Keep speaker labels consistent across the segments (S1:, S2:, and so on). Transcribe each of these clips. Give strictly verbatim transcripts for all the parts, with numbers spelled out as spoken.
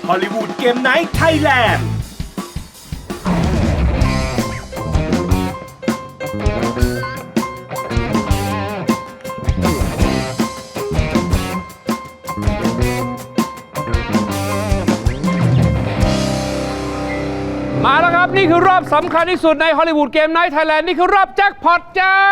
S1: ฮอลลีวูดเกมไนท์ไทยแลนด์
S2: มาแล้วครับนี่คือรอบสำคัญที่สุดในฮอลลีวูดเกมไนท์ไทยแลนด์นี่คือรอบแจ็คพอตจ้า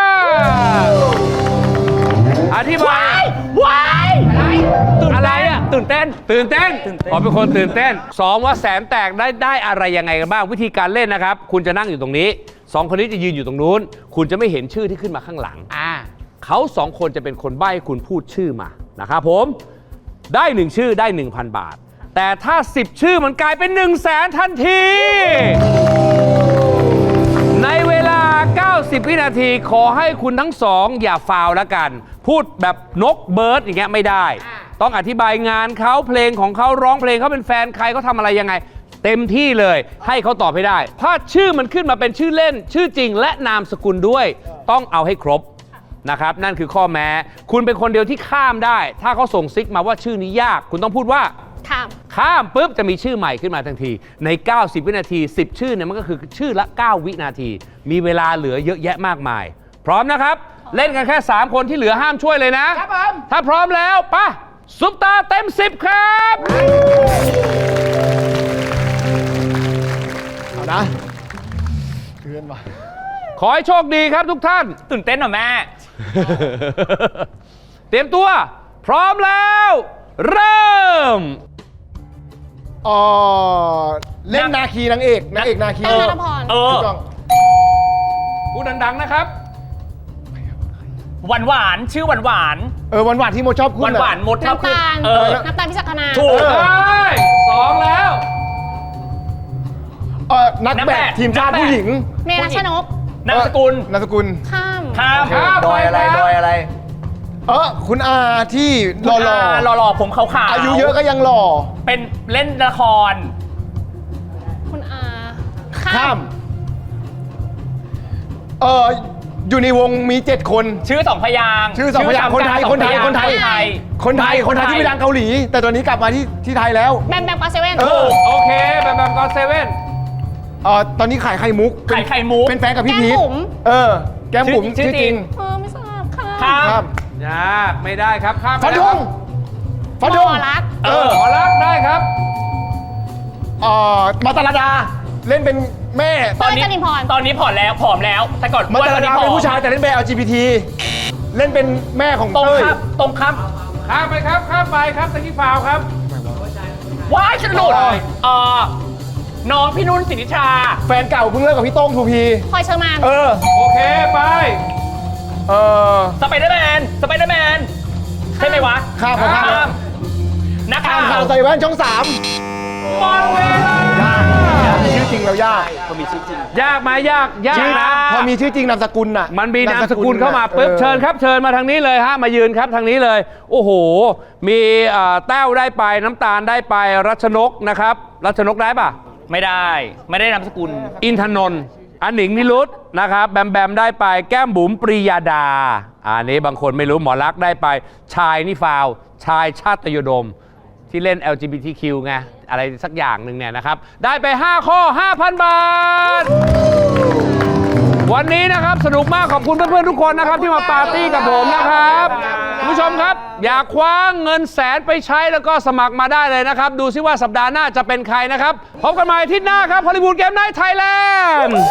S2: อธิบายว้ายอะไรอ่ะตื่นเต้นตื่นเต้นขอเป็นคนตื่นเต้นสองว่าแสนแตกได้ได้อะไรยังไงกันบ้างวิธีการเล่นนะครับคุณจะนั่งอยู่ตรงนี้สองคนนี้จะยืนอยู่ตรงนู้นคุณจะไม่เห็นชื่อที่ขึ้นมาข้างหลังอ่าเขาสองคนจะเป็นคนใบ้คุณพูดชื่อมานะครับผมได้หนึ่งชื่อได้ หนึ่งพัน บาทแต่ถ้าสิบชื่อมันกลายเป็น หนึ่งแสน ทันทีในเวลาเก้าสิบวินาทีขอให้คุณทั้งสองอย่าฟาวแล้วกันพูดแบบนกเบิร์ดอย่างเงี้ยไม่ได้ต้องอธิบายงานเขาเพลงของเขาร้องเพลงเขาเป็นแฟนใครเขาทำอะไรยังไงเต็มที่เลยให้เขาตอบให้ได้ถ้าชื่อมันขึ้นมาเป็นชื่อเล่นชื่อจริงและนามสกุลด้วยต้องเอาให้ครบนะครับนั่นคือข้อแม้คุณเป็นคนเดียวที่ข้ามได้ถ้าเขาส่งซิกมาว่าชื่อนี้ยากคุณต้องพูดว่าข้ามข้ามปุ๊บจะมีชื่อใหม่ขึ้นมาทันทีในเก้าสิบวินาทีสิบชื่อเนี่ยมันก็คือชื่อละเก้าวินาทีมีเวลาเหลือเยอะแยะมากมายพร้อมนะครับเล่นกันแค่สามคนที่เหลือห้ามช่วยเลยนะครับผมถ้าพร้อมแล้วป่ะซุปตาเต็มสิบครับ
S3: เอานะเพื่อนว่ะ
S2: ขอให้โชคดีครับทุกท่าน
S4: ตื่นเต้นเหรอแม่
S2: เตรียมตัวพร้อมแล้วเริ่ม
S3: อ๋อเล่นนาคีนางเอกนางเอกนาคี
S5: เออ
S4: เออ
S2: พูดดังๆนะครับ
S4: หวานหวานชื่อหวานหวาน
S3: เออหวานหวานที่โมชอบคุณ
S4: หวานหวานมดชอบคุณ
S5: น้ำตาล
S4: เออ
S5: น้ำตาลพิจักนา
S4: ถูก
S2: ได้สองแล้ว
S3: เออนักแบดทีมชาติผู้หญิง
S5: เมรัชนก
S4: นามสกุล
S3: นามสกุล
S5: ข้าม
S4: ข้าม
S2: ดอยอะไรดอยอะไร
S3: เออคุณอาที่หล่อหล่อ
S4: หล่อหล่อผมขาวขาว
S3: อายุเยอะก็ยังหล่อ
S4: เป็นเล่นละคร
S5: คุณอา
S3: ข้ามเอออยู่ในวงมีเจ็ดคน
S4: ชื่อสองพยาง
S3: ชื่อสองพยางคนไทยคนไทยคนไทยคนไทยคนไทยที่ไปดังเกาหลีแต่ตอนนี้กลับมาที่ที่ไทยแล้ว
S5: แบมแบมกอเซเว่น
S3: เออ
S2: โอเคแบมแบมกอเซเว่น
S3: เออตอนนี้ขายไข่มุก
S4: ขายไข่มุก
S3: เป็นแฟนกับพี่พีทเออแก้มบุ๋มชื่อจริง
S5: เออไม่ทราบค่ะ
S3: ข้าม
S2: ยากไม่ได้ครับข้าม
S3: ฟันธงฟันธง
S5: หมอรัก
S2: เออหมอรักได้ครับ
S3: เอ่อมาตาลดาเล่นเป็นแม่
S4: ตอนนี้ตอนนี้ผอมแล้วผอมแล้วแต่ก่อน
S3: มาตาลดาเป็นผู้ชายแต่เล่นเป็น แอล จี บี ที เล่นเป็นแม่ของเต้ย
S4: ตรงข้าม
S2: ข้ามไปครับข้ามไปครับตะกี้ฟาวครับ
S4: ว้ายฉันหลุดเอ่อน้องพี่นุ่นสิทธิชา
S3: แฟนเก่าเพิ่งเลิกกับพี่โต้งทูพี
S5: พลอยเชอร์มาน
S3: เออ
S2: โอเคไป
S3: เออ
S4: สไปเดอร์แมนสไปเดอร์แมนใช่ไหมวะ
S3: ข้ามข้าม
S4: นักข่าว
S3: ข่าวใส่แว่นช่องสาม
S2: หมดเวลา
S3: ชื่อจริงแล้วยาก
S4: พอมีชื่อจริง
S2: ยากไหมยากยากนะ
S3: พอมีชื่อจริงนามสกุลน่ะ
S2: มันมีนามสกุลเข้ามาปุ๊บเชิญครับเชิญมาทางนี้เลยฮะมายืนครับทางนี้เลยโอ้โหมีแต้วได้ไปน้ำตาลได้ไปรัชนกนะครับรัชนกได้ปะ
S4: ไม่ได้ไม่ได้นามสกุล
S2: อินทนนท์อันหนิงนิรุตนะครับแบมแบมได้ไปแก้มบุ๋มปรียาดาอันนี้บางคนไม่รู้หมอรักได้ไปชายนี่ฟาวชายชาติยดมที่เล่น แอล จี บี ที คิว ไงอะไรสักอย่างหนึ่งเนี่ยนะครับได้ไปห้าข้อ ห้าพัน บาทวันนี้นะครับสนุกมากขอบคุณเพื่อนๆทุกคนนะครับที่มาปาร์ตี้กับผมนะครับคุณผู้ชมครับอยากคว้าเงินแสนไปใช้แล้วก็สมัครมาได้เลยนะครับดูซิว่าสัปดาห์หน้าจะเป็นใครนะครับพบกันใหม่อาทิตย์หน้าครับฮอลลีวูดเกมไนท์ไทยแลนด์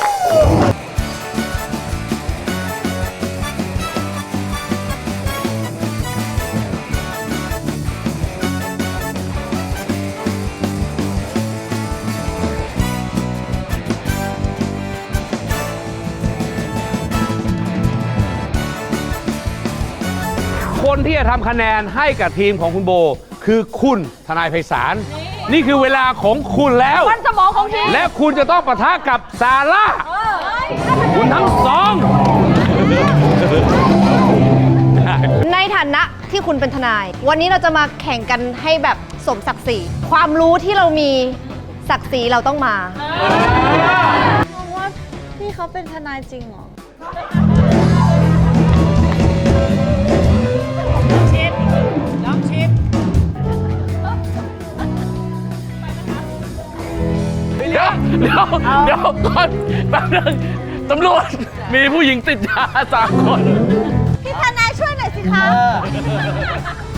S2: คนที่จะทำคะแนนให้กับทีมของคุณโบคือคุณทนายไพศาลนี่คือเวลาของคุณแล้ว
S5: วันสมองของทีม
S2: และคุณจะต้องปะทะกับซาร่าคุณทั้งสอง
S6: ในฐานะที่คุณเป็นทนายวันนี้เราจะมาแข่งกันให้แบบสมศักดิ์ศรีความรู้ที่เรามีศักดิ์ศรีเราต้องมามองว่าพี่เขาเป็นทนายจริงเหรอ
S4: เดี๋ยวเดี๋ยวก่อนแป๊บนึงตำรวจมีผู้หญิงติดยาสามคน
S6: พี่ทนายช่วยหน่อยสิคะ